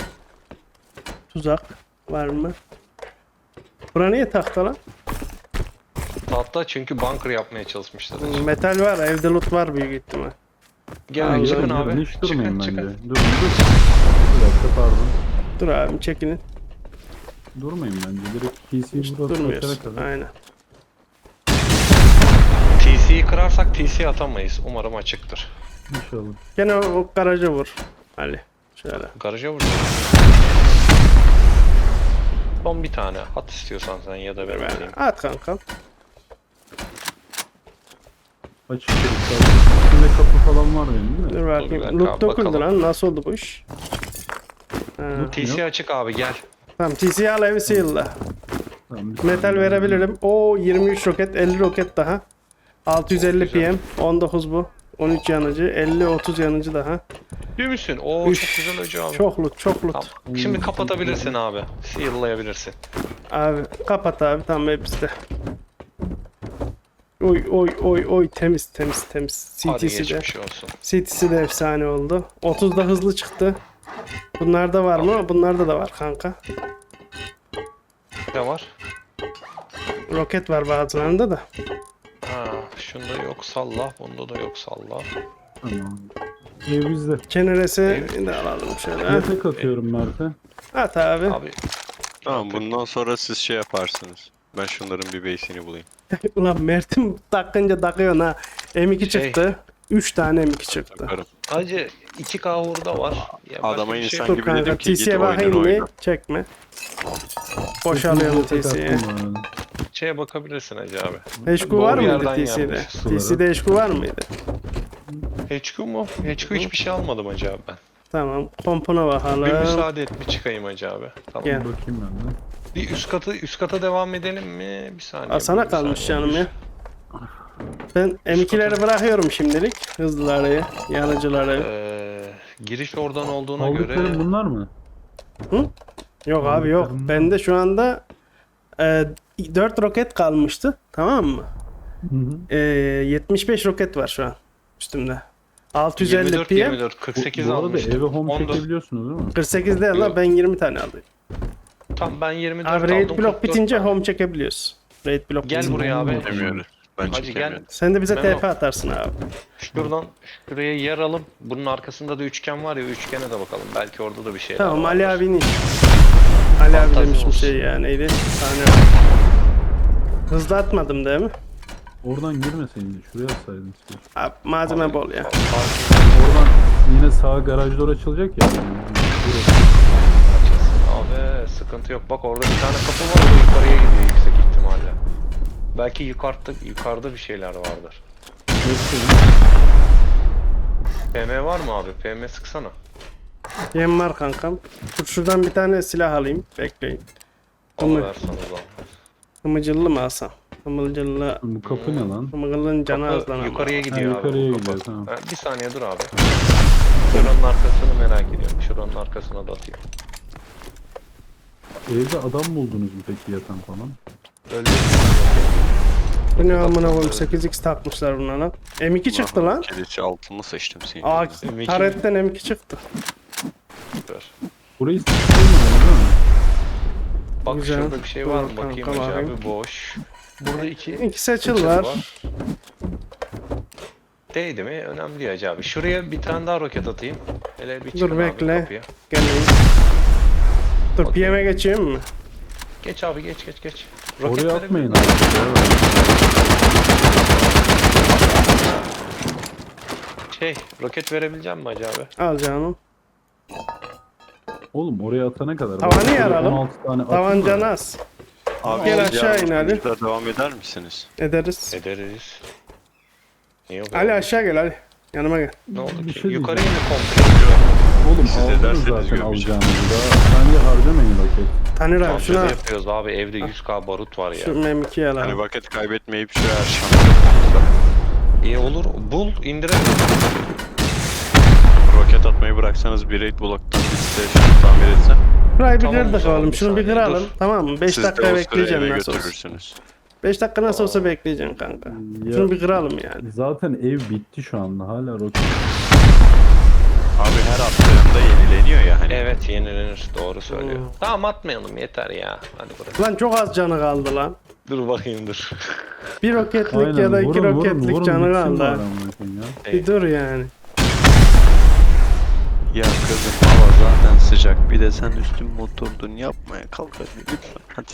[SPEAKER 1] Tuzak var mı? Bura niye tahta lan?
[SPEAKER 2] Tahta çünkü bunker yapmaya çalışmışlar.
[SPEAKER 1] Metal var, evde loot var büyük ihtimal.
[SPEAKER 2] Gelin çıkın abi.
[SPEAKER 3] Hiç durmayın
[SPEAKER 2] Çıkın
[SPEAKER 3] bence.
[SPEAKER 2] çıkın.
[SPEAKER 3] Dur. Bir dakika pardon.
[SPEAKER 1] Dur abi çekinin.
[SPEAKER 3] Durmayın bence. Direkt PC'yi
[SPEAKER 1] Hiç
[SPEAKER 3] burada
[SPEAKER 1] durmuyoruz.
[SPEAKER 3] açana kadar.
[SPEAKER 1] Aynen.
[SPEAKER 2] TC'yi kırarsak TC atamayız. Umarım açıktır.
[SPEAKER 3] İnşallah.
[SPEAKER 1] Gene o garaja vur. Ali. Şöyle.
[SPEAKER 2] Garaja vuracağız. Son bir tane. At istiyorsan sen ya da ben vereyim.
[SPEAKER 1] At kankam.
[SPEAKER 3] Açık dedik. İçinde kapı falan var benim değil mi?
[SPEAKER 1] Dur
[SPEAKER 2] bir
[SPEAKER 1] bakayım.
[SPEAKER 2] dakika
[SPEAKER 1] Loot
[SPEAKER 2] abi,
[SPEAKER 1] döküldü
[SPEAKER 2] bakalım.
[SPEAKER 1] lan. Nasıl oldu bu iş? Ha.
[SPEAKER 2] TC açık abi gel.
[SPEAKER 1] Tamam TC'yi al evi seal'la.
[SPEAKER 3] Tamam, bir
[SPEAKER 1] Metal
[SPEAKER 3] saniye.
[SPEAKER 1] verebilirim. O 23 roket, 50 roket daha. 650
[SPEAKER 2] Güzel.
[SPEAKER 1] PM, 19 bu. 13 yanıcı, 50 30 yanıcı daha.
[SPEAKER 2] Değil misin? Oo
[SPEAKER 1] Üf.
[SPEAKER 2] çok güzel hacı abi.
[SPEAKER 1] Çok loot, çok loot.
[SPEAKER 2] Tamam. Şimdi kapatabilirsin abi. Seal'layabilirsin.
[SPEAKER 1] Abi kapat abi tamam hepsi. Oy temiz.
[SPEAKER 2] Hadi
[SPEAKER 1] CT'si de.
[SPEAKER 2] geçmiş olsun.
[SPEAKER 1] CT'si de efsane oldu. 30'da hızlı çıktı. Bunlarda var mı? Bunlarda da var kanka.
[SPEAKER 2] Ne var?
[SPEAKER 1] Roket var bazılarında da.
[SPEAKER 2] Ha, şunda yok salla. Bunda da yok salla.
[SPEAKER 3] Tamam. Ev bizde.
[SPEAKER 1] Keneresi de alalım şöyle.
[SPEAKER 3] Yatak atıyorum Mert'e.
[SPEAKER 1] At abi.
[SPEAKER 2] Abi
[SPEAKER 4] Tamam bundan sonra siz şey yaparsınız. Ben şunların bir base'ini bulayım.
[SPEAKER 1] Ulan Mert'im takınca takıyorsun ha. M2
[SPEAKER 2] Şey-
[SPEAKER 1] çıktı. 3 tane M2 çıktı.
[SPEAKER 4] Bakarım.
[SPEAKER 2] hacı 2K hurda var. Ya başka
[SPEAKER 4] Adama
[SPEAKER 2] bir şey
[SPEAKER 4] insan
[SPEAKER 2] yok.
[SPEAKER 1] Dur
[SPEAKER 4] gibi dedim
[SPEAKER 1] kanka
[SPEAKER 4] ki git
[SPEAKER 1] TC'ye bakayım
[SPEAKER 4] oyununu
[SPEAKER 1] mı?
[SPEAKER 4] oyna.
[SPEAKER 1] Çekme. Boşalıyorum
[SPEAKER 3] Yatak
[SPEAKER 1] TC'ye.
[SPEAKER 3] attım bu arada.
[SPEAKER 2] Şeye bakabilirsin hacı abi.
[SPEAKER 1] HQ
[SPEAKER 2] Doğru
[SPEAKER 1] var mıydı
[SPEAKER 2] yerden
[SPEAKER 1] TC'de?
[SPEAKER 2] gelmiş
[SPEAKER 3] sulara.
[SPEAKER 1] TC'de HQ var mıydı?
[SPEAKER 2] HQ mu? HQ hiçbir şey almadım hacı abi ben.
[SPEAKER 1] Tamam. Kompona
[SPEAKER 2] Bir
[SPEAKER 1] bakalım.
[SPEAKER 2] müsaade et bir çıkayım hacı abi. Tamam.
[SPEAKER 1] Gel.
[SPEAKER 3] Bakayım ben de.
[SPEAKER 2] Bir üst kata devam edelim mi? Bir saniye.
[SPEAKER 1] Aa, sana
[SPEAKER 2] bir
[SPEAKER 1] kalmış
[SPEAKER 2] saniye.
[SPEAKER 1] canım ya. Ben M2'leri bırakıyorum şimdilik. Hızlıları, yanıcıları.
[SPEAKER 2] Giriş oradan olduğuna
[SPEAKER 3] Aldıklarım
[SPEAKER 2] göre
[SPEAKER 3] bunlar mı?
[SPEAKER 1] Yok abi yok.
[SPEAKER 3] aldıklarım-
[SPEAKER 1] Bende şu anda 4 roket kalmıştı. Tamam mı?
[SPEAKER 3] Hı hı.
[SPEAKER 1] 75 roket var şu an üstümde. 650
[SPEAKER 2] 24
[SPEAKER 1] PM.
[SPEAKER 2] 24 48
[SPEAKER 3] Bu arada
[SPEAKER 2] almıştım.
[SPEAKER 3] eve home
[SPEAKER 2] 14.
[SPEAKER 3] çekebiliyorsunuz değil mi?
[SPEAKER 1] 48 değil la
[SPEAKER 2] Yok.
[SPEAKER 1] ben 20 tane alayım.
[SPEAKER 2] Tamam ben 24
[SPEAKER 1] Abi
[SPEAKER 2] aldım.
[SPEAKER 1] raid blok
[SPEAKER 2] 44
[SPEAKER 1] bitince
[SPEAKER 2] tane.
[SPEAKER 1] home çekebiliyoruz. Raid blok
[SPEAKER 2] Gel
[SPEAKER 1] bitince.
[SPEAKER 2] buraya abi.
[SPEAKER 4] Demiyoruz. Ben
[SPEAKER 2] Hacı
[SPEAKER 4] çekemiyorum.
[SPEAKER 1] Sen de bize
[SPEAKER 2] Memo.
[SPEAKER 1] TP atarsın abi.
[SPEAKER 2] Şuradan şuraya yer alıp bunun arkasında da üçgen var ya üçgene de bakalım. Belki orada da bir şey
[SPEAKER 1] Tamam
[SPEAKER 2] vardır.
[SPEAKER 1] Ali abinin. Ali abi
[SPEAKER 2] Fantazi
[SPEAKER 1] demiş bir
[SPEAKER 2] olsun.
[SPEAKER 1] şey ya neydi? Saniye. Hızlı atmadım değil mi?
[SPEAKER 3] Oradan girmeseydin şuraya atsaydın. Siz.
[SPEAKER 1] Abi malzeme bol ya.
[SPEAKER 3] Oradan yine sağ garaj door açılacak ya. Burası.
[SPEAKER 2] Abi sıkıntı yok. Bak orada bir tane kapı var. O da yukarıya gidiyor yüksek ihtimalle. Belki yukarıda bir şeyler vardır. PM var mı abi? PM sıksana.
[SPEAKER 1] Yem var kankam. Dur şuradan bir tane silah alayım. Bekleyin.
[SPEAKER 2] Onu versen o zaman.
[SPEAKER 1] Hımıcıllı mı alsam? Hımıcıllı.
[SPEAKER 3] Bu kapı ne lan?
[SPEAKER 1] Hımıcıllının canı az lan ama.
[SPEAKER 2] Yukarıya gidiyor
[SPEAKER 3] Ha,
[SPEAKER 2] abi.
[SPEAKER 3] yukarıya
[SPEAKER 2] bu kapı.
[SPEAKER 3] gidiyor, tamam.
[SPEAKER 2] Ha, bir saniye dur abi. Şuranın arkasını merak ediyorum. Şuranın arkasına da atayım.
[SPEAKER 3] Evde adam buldunuz mu peki yatan falan?
[SPEAKER 2] Öldü.
[SPEAKER 1] Bu ne amına koyayım 8x takmışlar buna lan. M2 çıktı lan.
[SPEAKER 4] Kilisi altını seçtim senin.
[SPEAKER 1] Aa
[SPEAKER 2] M2
[SPEAKER 1] taretten M2 çıktı.
[SPEAKER 3] Burayı sıkılmadınız değil mi?
[SPEAKER 2] Bak
[SPEAKER 1] Güzel.
[SPEAKER 2] şurada bir şey var mı?
[SPEAKER 1] Dur,
[SPEAKER 2] Bakayım
[SPEAKER 1] kanka,
[SPEAKER 2] Hacı
[SPEAKER 1] bakayım.
[SPEAKER 2] abi. Boş. Burada iki
[SPEAKER 1] İki seçil var.
[SPEAKER 2] Değdi mi? Önemli değil Hacı abi. Şuraya bir tane daha roket atayım. Hele bir
[SPEAKER 1] Dur,
[SPEAKER 2] çıkın abi
[SPEAKER 1] bekle.
[SPEAKER 2] kapıya.
[SPEAKER 1] Geleyim. Dur
[SPEAKER 2] Okey.
[SPEAKER 1] PM'e geçeyim mi?
[SPEAKER 2] Geç abi geç.
[SPEAKER 3] Oraya
[SPEAKER 2] verebilir
[SPEAKER 3] atmayın
[SPEAKER 2] miyim? Roket verebileceğim mi Hacı abi?
[SPEAKER 1] Al canım.
[SPEAKER 3] Oğlum oraya atana kadar.
[SPEAKER 1] Tavanı
[SPEAKER 3] Bak,
[SPEAKER 1] yaralım.
[SPEAKER 3] 16 tane atın
[SPEAKER 1] Tavancan
[SPEAKER 3] da.
[SPEAKER 1] az.
[SPEAKER 4] Abi
[SPEAKER 1] Gel
[SPEAKER 4] siz
[SPEAKER 1] aşağı
[SPEAKER 4] yarın
[SPEAKER 1] in Ali.
[SPEAKER 4] burada devam eder misiniz?
[SPEAKER 1] Ederiz.
[SPEAKER 2] Ederiz. Niye yok
[SPEAKER 1] Ali
[SPEAKER 2] abi?
[SPEAKER 1] aşağı gel Ali. Yanıma gel.
[SPEAKER 2] Ne oldu
[SPEAKER 3] Bir
[SPEAKER 2] ki?
[SPEAKER 3] şey
[SPEAKER 2] Yukarı
[SPEAKER 3] diyeceğim.
[SPEAKER 2] indi komple.
[SPEAKER 3] Oğlum
[SPEAKER 4] Siz
[SPEAKER 3] aldınız
[SPEAKER 4] ederseniz
[SPEAKER 3] zaten
[SPEAKER 4] görmeyeceğim.
[SPEAKER 3] alacağınızı da. Bence harcamayın roket.
[SPEAKER 1] Tanır abi
[SPEAKER 2] Şuna
[SPEAKER 1] şuna.
[SPEAKER 2] yapıyoruz abi. Evde 100k barut var ya.
[SPEAKER 1] Şu M2'yi al
[SPEAKER 4] Hani
[SPEAKER 1] abi.
[SPEAKER 4] vakit kaybetmeyip şu her şansı.
[SPEAKER 2] İyi olur. Bul indirelim.
[SPEAKER 4] Roket atmayı bıraksanız bir raid bloktan bir station tamir etsem.
[SPEAKER 1] Burayı bir
[SPEAKER 2] Tamam,
[SPEAKER 1] kırdık
[SPEAKER 2] tamam,
[SPEAKER 1] oğlum.
[SPEAKER 2] bir
[SPEAKER 1] Şunu bir
[SPEAKER 2] saniye,
[SPEAKER 1] kıralım.
[SPEAKER 2] dur.
[SPEAKER 1] Tamam mı? 5
[SPEAKER 4] Siz de
[SPEAKER 1] dakika
[SPEAKER 4] o sırayı
[SPEAKER 1] bekleyeceksin
[SPEAKER 4] eve
[SPEAKER 1] nasıl olsa.
[SPEAKER 4] götürürsünüz.
[SPEAKER 1] 5 dakika nasıl olsa bekleyeceksin kanka.
[SPEAKER 3] Ya,
[SPEAKER 1] Şunu bir kıralım yani.
[SPEAKER 3] zaten ev bitti şu anda. Hala roket.
[SPEAKER 4] Abi her attığında yenileniyor ya hani.
[SPEAKER 2] Evet yenilenir. Doğru söylüyor.
[SPEAKER 1] Hmm.
[SPEAKER 2] Tamam atmayalım yeter ya. Hadi bırak.
[SPEAKER 1] Lan çok az canı kaldı lan.
[SPEAKER 2] Dur bakayım dur.
[SPEAKER 1] Bir roketlik ya da 2 roketlik canı
[SPEAKER 3] bitsin
[SPEAKER 1] kaldı.
[SPEAKER 3] bari
[SPEAKER 1] ha.
[SPEAKER 3] amına koyayım ya.
[SPEAKER 1] Bir dur yani.
[SPEAKER 4] Ya kızım hava zaten sıcak. Bir de sen üstün motordun yapmaya kalk hadi lütfen hadi.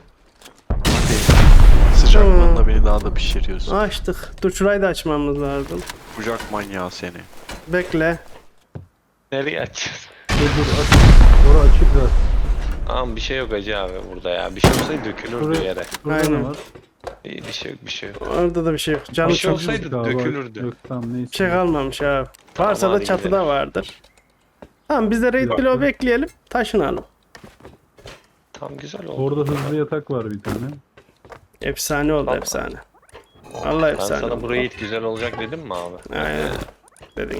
[SPEAKER 4] Hadi. Sıcaklığında beni daha da pişiriyorsun.
[SPEAKER 1] Açtık. Dur şurayı da açmamız lazım.
[SPEAKER 4] Kucak manyağı seni.
[SPEAKER 1] Bekle.
[SPEAKER 2] Nereye açacağız?
[SPEAKER 3] Dur aç. Orası açık zaten.
[SPEAKER 2] Tamam bir şey yok Hacı abi burada ya. Bir şey olsaydı dökülürdü
[SPEAKER 3] Şuraya-
[SPEAKER 2] yere.
[SPEAKER 3] Burada
[SPEAKER 1] Aynen.
[SPEAKER 3] ne var?
[SPEAKER 2] İyi, bir şey yok.
[SPEAKER 1] Orada da bir şey yok. Canı
[SPEAKER 2] Bir şey
[SPEAKER 1] çok
[SPEAKER 2] olsaydı
[SPEAKER 3] Galiba-
[SPEAKER 2] dökülürdü.
[SPEAKER 3] Yok tamam neyse.
[SPEAKER 1] bir şey kalmamış abi. Varsa da
[SPEAKER 2] hadi
[SPEAKER 1] çatıda
[SPEAKER 2] gidelim.
[SPEAKER 1] vardır. Tamam biz de raid
[SPEAKER 3] Bir
[SPEAKER 1] bloğu
[SPEAKER 3] dakika.
[SPEAKER 1] bekleyelim. Taşınalım.
[SPEAKER 2] Tam güzel oldu.
[SPEAKER 3] Orada hızlı yatak var bir tane.
[SPEAKER 1] Efsane oldu
[SPEAKER 2] Tamam.
[SPEAKER 1] efsane. Vallahi
[SPEAKER 2] Ben
[SPEAKER 1] efsane
[SPEAKER 2] sana
[SPEAKER 1] oldu.
[SPEAKER 2] burayı it güzel olacak dedim mi abi?
[SPEAKER 1] Aynen. Dedin.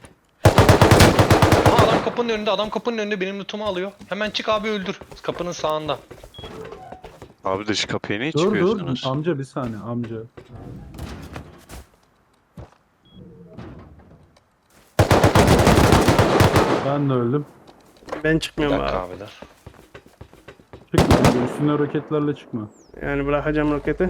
[SPEAKER 2] Aa, adam kapının önünde benim lootumu alıyor. Hemen çık abi öldür. Kapının sağında.
[SPEAKER 4] Abi dış kapıya niye
[SPEAKER 3] Dur
[SPEAKER 4] çıkıyorsunuz?
[SPEAKER 3] amca bir saniye amca. Ben de öldüm.
[SPEAKER 1] Ben
[SPEAKER 2] Bir
[SPEAKER 1] çıkmıyorum
[SPEAKER 2] dakika
[SPEAKER 1] abi.
[SPEAKER 2] abiler.
[SPEAKER 3] Çıkma amca, üstüne roketlerle çıkma.
[SPEAKER 1] Yani bırakacağım roketi.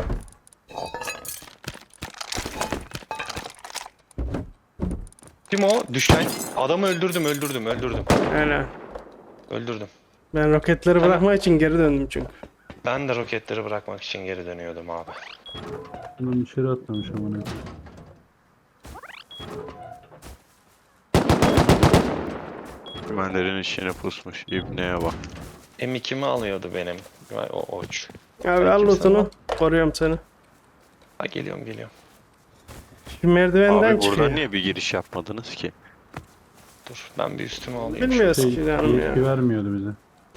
[SPEAKER 2] Kim o? Düşen. Adamı öldürdüm.
[SPEAKER 1] Öyle.
[SPEAKER 2] Öldürdüm.
[SPEAKER 1] Ben roketleri
[SPEAKER 2] Tamam.
[SPEAKER 1] bırakmak için geri döndüm çünkü.
[SPEAKER 2] Ben de roketleri bırakmak için geri dönüyordum abi.
[SPEAKER 3] Bunun içeri atlamış ama ne.
[SPEAKER 4] Güvenlerin içine pusmuş. İbneye bak.
[SPEAKER 2] M2'mi alıyordu benim. Vay, o oç.
[SPEAKER 1] Abi
[SPEAKER 2] Sen
[SPEAKER 1] al
[SPEAKER 2] kimsin
[SPEAKER 1] lootunu.
[SPEAKER 2] lan?
[SPEAKER 1] Koruyorum seni.
[SPEAKER 2] Ha geliyorum.
[SPEAKER 1] Şu merdivenden
[SPEAKER 4] Abi
[SPEAKER 1] çıkıyor.
[SPEAKER 4] buradan niye bir giriş yapmadınız ki?
[SPEAKER 2] Dur ben bir üstümü alayım.
[SPEAKER 1] Bilmiyoruz
[SPEAKER 3] Şey,
[SPEAKER 1] ki canım ya.
[SPEAKER 3] yetki vermiyordu bize.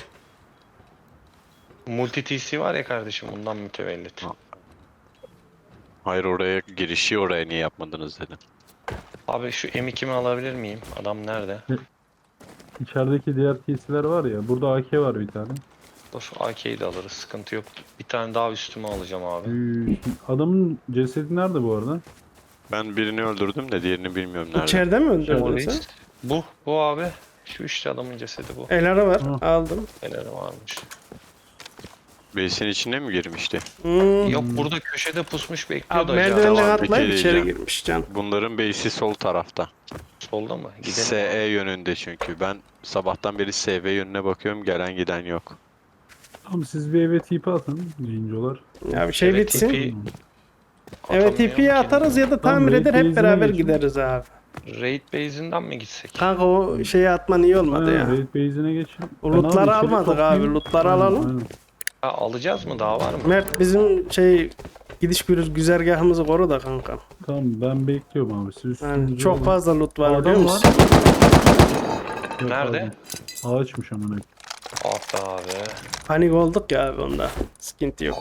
[SPEAKER 2] Multi TC var ya kardeşim ondan mütevellit.
[SPEAKER 4] Ha. Hayır oraya girişi oraya niye yapmadınız dedim.
[SPEAKER 2] Abi şu M2'mi alabilir miyim? Adam nerede?
[SPEAKER 3] İçerideki diğer TC'ler var ya. Burada AK var bir tane.
[SPEAKER 2] Dur AK'yi de alırız sıkıntı yok. Bir tane daha üstüme alacağım abi.
[SPEAKER 3] Adamın cesedi nerede bu arada?
[SPEAKER 4] Ben birini öldürdüm de diğerini bilmiyorum nerede.
[SPEAKER 1] İçeride mi öldürdün
[SPEAKER 2] Polis.
[SPEAKER 1] sen?
[SPEAKER 2] Bu abi. Şu işte adamın cesedi bu.
[SPEAKER 1] El var.
[SPEAKER 3] Hı.
[SPEAKER 1] Aldım.
[SPEAKER 2] Neleri varmış.
[SPEAKER 4] Base'in içine mi girmişti?
[SPEAKER 1] Hmm.
[SPEAKER 2] Yok burada köşede pusmuş bekliyordu
[SPEAKER 1] Abi
[SPEAKER 2] acaba.
[SPEAKER 1] merdivenden
[SPEAKER 4] Tamam, bir
[SPEAKER 1] atlayıp
[SPEAKER 4] kere
[SPEAKER 1] içeri
[SPEAKER 4] diyeceğim.
[SPEAKER 1] girmiş can.
[SPEAKER 4] Bunların base'i sol tarafta.
[SPEAKER 2] Solda mı? Gidelim.
[SPEAKER 4] SE yönünde çünkü. Ben sabahtan beri SV yönüne bakıyorum gelen giden yok.
[SPEAKER 3] Tamam siz bir eve TP atın. Yayıncılar.
[SPEAKER 1] Ya bir şey
[SPEAKER 2] Evet,
[SPEAKER 1] bitsin.
[SPEAKER 2] TP
[SPEAKER 1] Evet
[SPEAKER 2] atamıyorum
[SPEAKER 1] TP'yi
[SPEAKER 2] ki.
[SPEAKER 1] atarız ya da
[SPEAKER 3] Tamam,
[SPEAKER 1] tamir eder
[SPEAKER 3] belki
[SPEAKER 1] hep beraber
[SPEAKER 3] izine geçin.
[SPEAKER 1] gideriz abi.
[SPEAKER 2] Raid base'inden mi gitsek?
[SPEAKER 1] Kanka o şeyi atman iyi olmadı ya.
[SPEAKER 3] Raid base'ine geçin.
[SPEAKER 1] O lootları
[SPEAKER 3] Ben abi içeri
[SPEAKER 1] almadık abi,
[SPEAKER 3] toplayayım.
[SPEAKER 1] lootları
[SPEAKER 3] Aynen,
[SPEAKER 1] alalım.
[SPEAKER 3] aynen.
[SPEAKER 2] Ha, alacağız mı? Daha var mı?
[SPEAKER 1] Mert bizim şey gidiş güzergahımızı koru da kanka.
[SPEAKER 3] Tamam ben bekliyorum abi. Siz
[SPEAKER 1] Yani
[SPEAKER 3] üstünüzü
[SPEAKER 1] çok
[SPEAKER 3] alın.
[SPEAKER 1] fazla loot var
[SPEAKER 3] Adam
[SPEAKER 1] biliyor musun?
[SPEAKER 3] Yok
[SPEAKER 2] Nerede?
[SPEAKER 3] abi. Ağaçmış amına.
[SPEAKER 2] Ah be abi.
[SPEAKER 1] Panik olduk ya abi onda. Sıkıntı yok.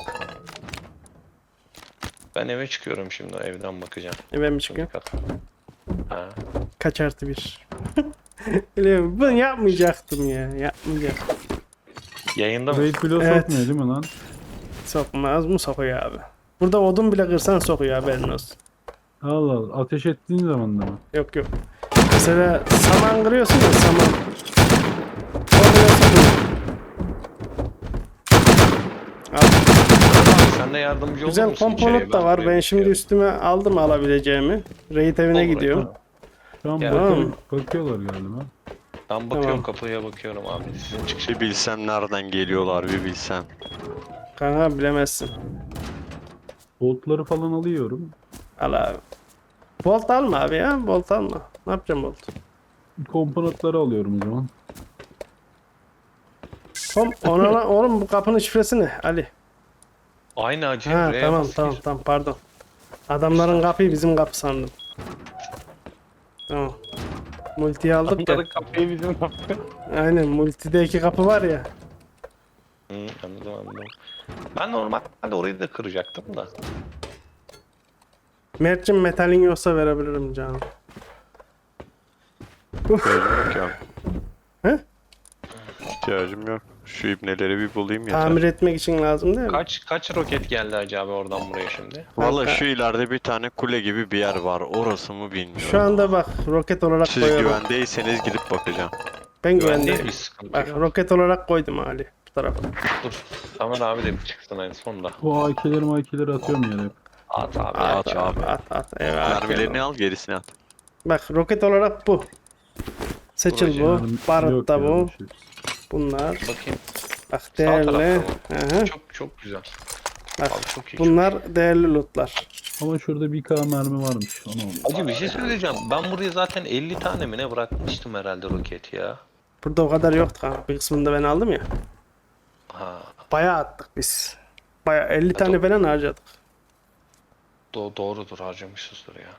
[SPEAKER 2] Ben eve çıkıyorum şimdi, evden bakacağım.
[SPEAKER 1] Ben mi çıkıyorum?
[SPEAKER 2] Ha.
[SPEAKER 1] Kaç artı bir? Biliyorum, bunu yapmayacaktım ya. Yapmayacaktım.
[SPEAKER 2] Yayında mı?
[SPEAKER 3] Raid bile
[SPEAKER 1] Evet.
[SPEAKER 3] sokmuyor değil mi lan?
[SPEAKER 1] Sokmaz mı sokuyor abi? Burada odun bile kırsan sokuyor haberin olsun.
[SPEAKER 3] Allah Allah. Ateş ettiğin zaman da mı?
[SPEAKER 1] Yok yok. Mesela saman kırıyorsun ya, saman. Oraya sokuyor. Abi,
[SPEAKER 2] Abi sen de yardımcı olur
[SPEAKER 1] güzel
[SPEAKER 2] musun
[SPEAKER 1] komponent
[SPEAKER 2] içeriye?
[SPEAKER 1] da var. Ben
[SPEAKER 2] buraya
[SPEAKER 1] şimdi
[SPEAKER 2] bakıyorum.
[SPEAKER 1] üstüme aldım alabileceğimi. Raid evine
[SPEAKER 2] Olur,
[SPEAKER 1] gidiyorum.
[SPEAKER 2] olur.
[SPEAKER 3] Şu an
[SPEAKER 2] Ya.
[SPEAKER 3] bakıyorlar galiba.
[SPEAKER 2] Ben bakıyorum,
[SPEAKER 1] Tamam.
[SPEAKER 2] kapıya bakıyorum abi. Sizin çıkış.
[SPEAKER 4] Bir bilsem nereden geliyorlar, bir bilsem.
[SPEAKER 1] Kanka bilemezsin.
[SPEAKER 3] Boltları falan alıyorum.
[SPEAKER 1] Al abi. Bolt alma abi ya. Bolt alma. Ne yapacağım bolt?
[SPEAKER 3] Komponentleri alıyorum o zaman.
[SPEAKER 1] Oğlum bu kapının şifresi ne Ali?
[SPEAKER 2] Aynı acı.
[SPEAKER 1] Ha
[SPEAKER 2] R'ye
[SPEAKER 1] tamam
[SPEAKER 2] bas
[SPEAKER 1] tamam
[SPEAKER 2] gir.
[SPEAKER 1] tamam pardon. Adamların kapıyı bizim kapı sandım. Tamam. Multiyi aldık ya.
[SPEAKER 2] Onların kapıyı bizim kapı.
[SPEAKER 1] Aynen multide 2 kapı var ya.
[SPEAKER 2] Hı, anladım. Ben normalde orayı da kıracaktım da.
[SPEAKER 1] Mert'cim metalin yoksa verebilirim canım.
[SPEAKER 4] İhtiyacım yok ya.
[SPEAKER 1] He?
[SPEAKER 4] İhtiyacım yok. Şu ibneleri bir bulayım yeter.
[SPEAKER 1] Tamir etmek için lazım değil mi?
[SPEAKER 2] Kaç roket geldi acaba oradan buraya şimdi?
[SPEAKER 4] Valla
[SPEAKER 1] Kanka.
[SPEAKER 4] şu ileride bir tane kule gibi bir yer var. Orası mı bilmiyorum.
[SPEAKER 1] Şu anda bak roket olarak
[SPEAKER 4] Siz
[SPEAKER 1] koyuyorum.
[SPEAKER 4] güvendeyseniz gidip bakacağım.
[SPEAKER 1] Ben
[SPEAKER 2] Güvendeyiz,
[SPEAKER 1] güvendeyim.
[SPEAKER 2] bir sıkıntı
[SPEAKER 1] Bak
[SPEAKER 2] yok.
[SPEAKER 1] roket olarak koydum Ali bu tarafa.
[SPEAKER 2] Dur. Tamer abi de bir çıksın en sonunda.
[SPEAKER 3] Bu AK'leri atıyorum yere hep.
[SPEAKER 2] At abi.
[SPEAKER 1] At
[SPEAKER 4] At
[SPEAKER 1] abi
[SPEAKER 4] abi.
[SPEAKER 1] at. Evet,
[SPEAKER 4] Mermilerini al, gerisini at.
[SPEAKER 1] Bak roket olarak bu. Seçil bu.
[SPEAKER 3] Yani
[SPEAKER 1] Barut
[SPEAKER 3] yok
[SPEAKER 1] da
[SPEAKER 3] ya
[SPEAKER 1] bu.
[SPEAKER 3] bir şey.
[SPEAKER 1] Bunlar.
[SPEAKER 2] Bakayım.
[SPEAKER 1] Bak
[SPEAKER 2] Sağ
[SPEAKER 1] değerli.
[SPEAKER 2] tarafta
[SPEAKER 1] Hı hı.
[SPEAKER 2] Çok güzel.
[SPEAKER 1] Bak
[SPEAKER 2] Abi çok iyi.
[SPEAKER 1] bunlar değerli lootlar.
[SPEAKER 3] Ama şurada bir K mermi varmış. Onu alayım.
[SPEAKER 2] Acı bir şey söyleyeceğim. Ben buraya zaten 50 tane mi ne bırakmıştım herhalde roket ya.
[SPEAKER 1] Burada o kadar yoktu kanka. Bir kısmını da ben aldım ya.
[SPEAKER 2] Ha.
[SPEAKER 1] Bayağı attık biz. Bayağı 50 tane falan harcadık.
[SPEAKER 2] Doğrudur, harcamışızdır ya.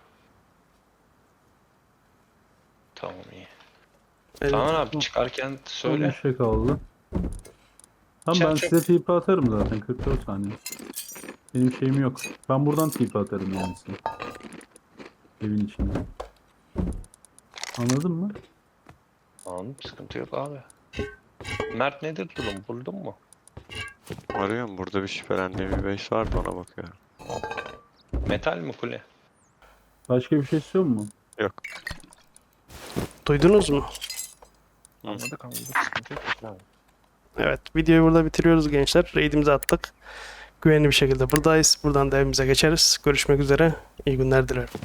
[SPEAKER 2] Tamam, iyi.
[SPEAKER 1] Evet.
[SPEAKER 2] Tamam abi, çıkarken
[SPEAKER 3] Son
[SPEAKER 2] söyle.
[SPEAKER 3] bir şey kaldı. Tamam ben
[SPEAKER 2] Çak.
[SPEAKER 3] size TP atarım zaten 44 saniye. Benim şeyim yok. Ben buradan TP atarım yani size. Evin içinde. Anladın mı?
[SPEAKER 2] Tamam, sıkıntı yok abi. Mert nedir durum? Buldun mu?
[SPEAKER 4] Arıyorum, burada bir şüphelendiğim bir base var, ona bakıyorum.
[SPEAKER 2] Metal mi kule?
[SPEAKER 3] Başka bir şey istiyor mu?
[SPEAKER 4] Yok.
[SPEAKER 1] Duydunuz mu?
[SPEAKER 2] Anladık. Sıkıntı yok.
[SPEAKER 1] Evet. Videoyu burada bitiriyoruz gençler. Raid'imizi attık. Güvenli bir şekilde buradayız. Buradan da evimize geçeriz. Görüşmek üzere. İyi günler dilerim.